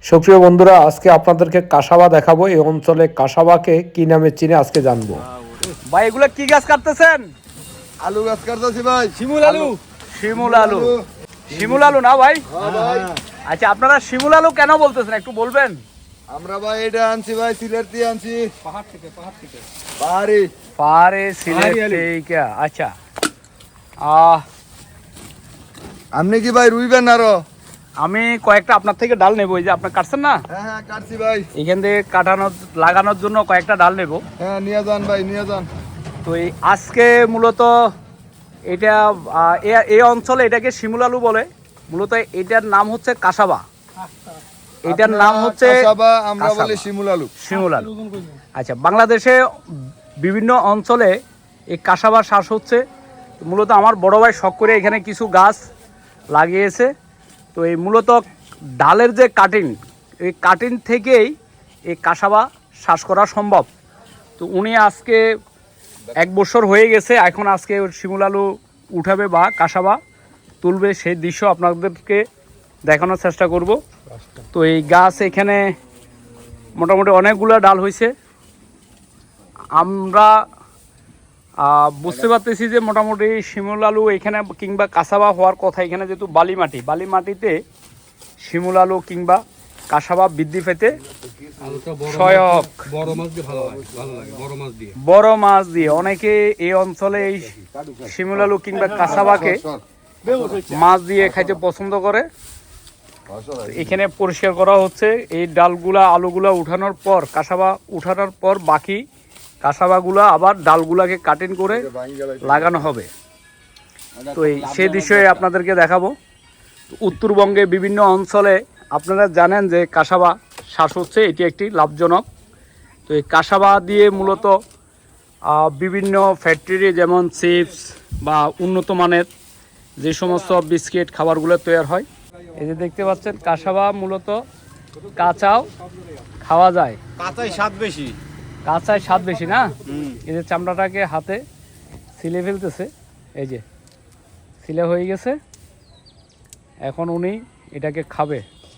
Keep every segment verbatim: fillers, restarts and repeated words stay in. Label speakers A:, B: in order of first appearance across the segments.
A: সুপ্রিয় বন্ধুরা, আজকে আপনাদেরকে কাসাবা দেখাবো। এই অঞ্চলে কাসাবাকে কি নামে চিনে আজকে জানবো।
B: ভাই এগুলো কি গাছ কাটতেছেন?
C: আলু গাছ কাটতেছি ভাই।
B: শিমুল আলু। শিমুল আলু। শিমুল আলু না ভাই?
C: হ্যাঁ ভাই।
B: আচ্ছা, আপনারা শিমুল আলু কেন বলতেছেন একটু বলবেন?
C: আমরা ভাই এটা আনছি ভাই, সিলেট থেকে আনছি। পাহাড় থেকে, পাহাড় থেকে। পাহাড়ি।
B: পাহাড়ে সিলেট থেকে। আচ্ছা, আহ
C: আপনি কি ভাই রুইবেন আরো?
B: আমি কয়েকটা আপনার থেকে ডাল নেবো। এই যে আপনার কাটছেন না,
C: হ্যাঁ হ্যাঁ কাটছি ভাই।
B: এখান থেকে কাটানোর লাগানোর জন্য কয়েকটা ডাল নেবো।
C: হ্যাঁ নিয়ে যান ভাই, নিয়ে যান।
B: তো এই আজকে মূলত এটা আহ, এ- এই অঞ্চলে এটাকে শিমুল আলু বলে। মূলত এটার নাম হচ্ছে কাসাবা। এটার নাম হচ্ছে
C: কাসাবা, আমরা
B: কাসাবা।
C: বলি শিমুল আলু।
B: শিমুল আলু। আচ্ছা, বাংলাদেশে বিভিন্ন অঞ্চলে এই কাসাবা চাষ হচ্ছে। মূলত আমার বড় ভাই শখ করে এখানে কিছু গাছ লাগিয়েছে। তো এই মূলত ডালের যে কাটিং, এই কাটিং থেকেই এই কাসাবা চাষ করা সম্ভব। তো উনি আজকে এক বছর হয়ে গেছে, এখন আজকে ওর শিমুল আলু উঠাবে বা কাসাবা তুলবে, সেই দৃশ্য আপনাদেরকে দেখানোর চেষ্টা করব। তো এই গাছ এখানে মোটামুটি অনেকগুলো ডাল হয়েছে। আমরা আহ, বুঝতে পারতেছি যে মোটামুটি শিমুল আলু এখানে কিংবা কাসাবা হওয়ার কথা। এখানে যেহেতু বালি মাটি, বালি মাটিতে শিমুল আলু কিংবা কাসাবা বৃদ্ধি পেতে সহায়ক। বড় মাছ দিয়ে অনেকে এই অঞ্চলে এই শিমুল আলু কিংবা কাসাবাকে মাছ দিয়ে খাইতে পছন্দ করে। এখানে পরিষ্কার করা হচ্ছে। এই ডালগুলা আলুগুলা উঠানোর পর, কাসাবা উঠানোর পর বাকি কাসাবাগুলা আবার ডালগুলাকে কাটিং করে লাগানো হবে। তো এই সে বিষয়ে আপনাদেরকে দেখাবো। উত্তরবঙ্গে বিভিন্ন অঞ্চলে আপনারা জানেন যে কাসাবা চাষ হচ্ছে, এটি একটি লাভজনক। তো এই কাসাবা দিয়ে মূলত আহ, বিভিন্ন ফ্যাক্টরি যেমন চিপস বা উন্নত মানের যে সমস্ত বিস্কিট খাবারগুলো তৈরি হয়। এই যে দেখতে পাচ্ছেন কাসাবা মূলত কাঁচাও খাওয়া যায়।
D: কাঁচাই স্বাদ বেশি।
B: কাঁচায় স্বাদ বেশি না? এই যে চামড়াটাকে হাতে ছিলে ফেলতেছে, এই যে ছিলে হয়ে গেছে। এখন উনি এটাকে খাবে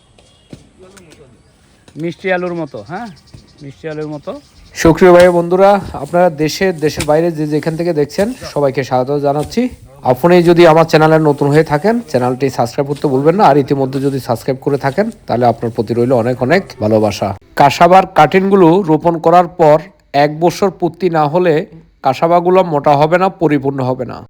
B: মিষ্টি আলুর মতো। হ্যাঁ, মিষ্টি আলুর মতো।
A: সুপ্রিয় ভাই বন্ধুরা, আপনারা দেশে দেশের বাইরে যে যেখান থেকে দেখছেন সবাইকে স্বাগত জানাচ্ছি। আপনি যদি আমার চ্যানেলে নতুন হয়ে থাকেন, চ্যানেলটি সাবস্ক্রাইব করতে ভুলবেন না। আর ইতিমধ্যে যদি সাবস্ক্রাইব করে থাকেন, তাহলে আপনার প্রতি রইল অনেক অনেক ভালোবাসা। কাসাবার কাটিংগুলো রোপণ করার পর এক বছর পূর্তি না হলে কাসাবাগুলো মোটা হবে না, পরিপূর্ণ হবে না।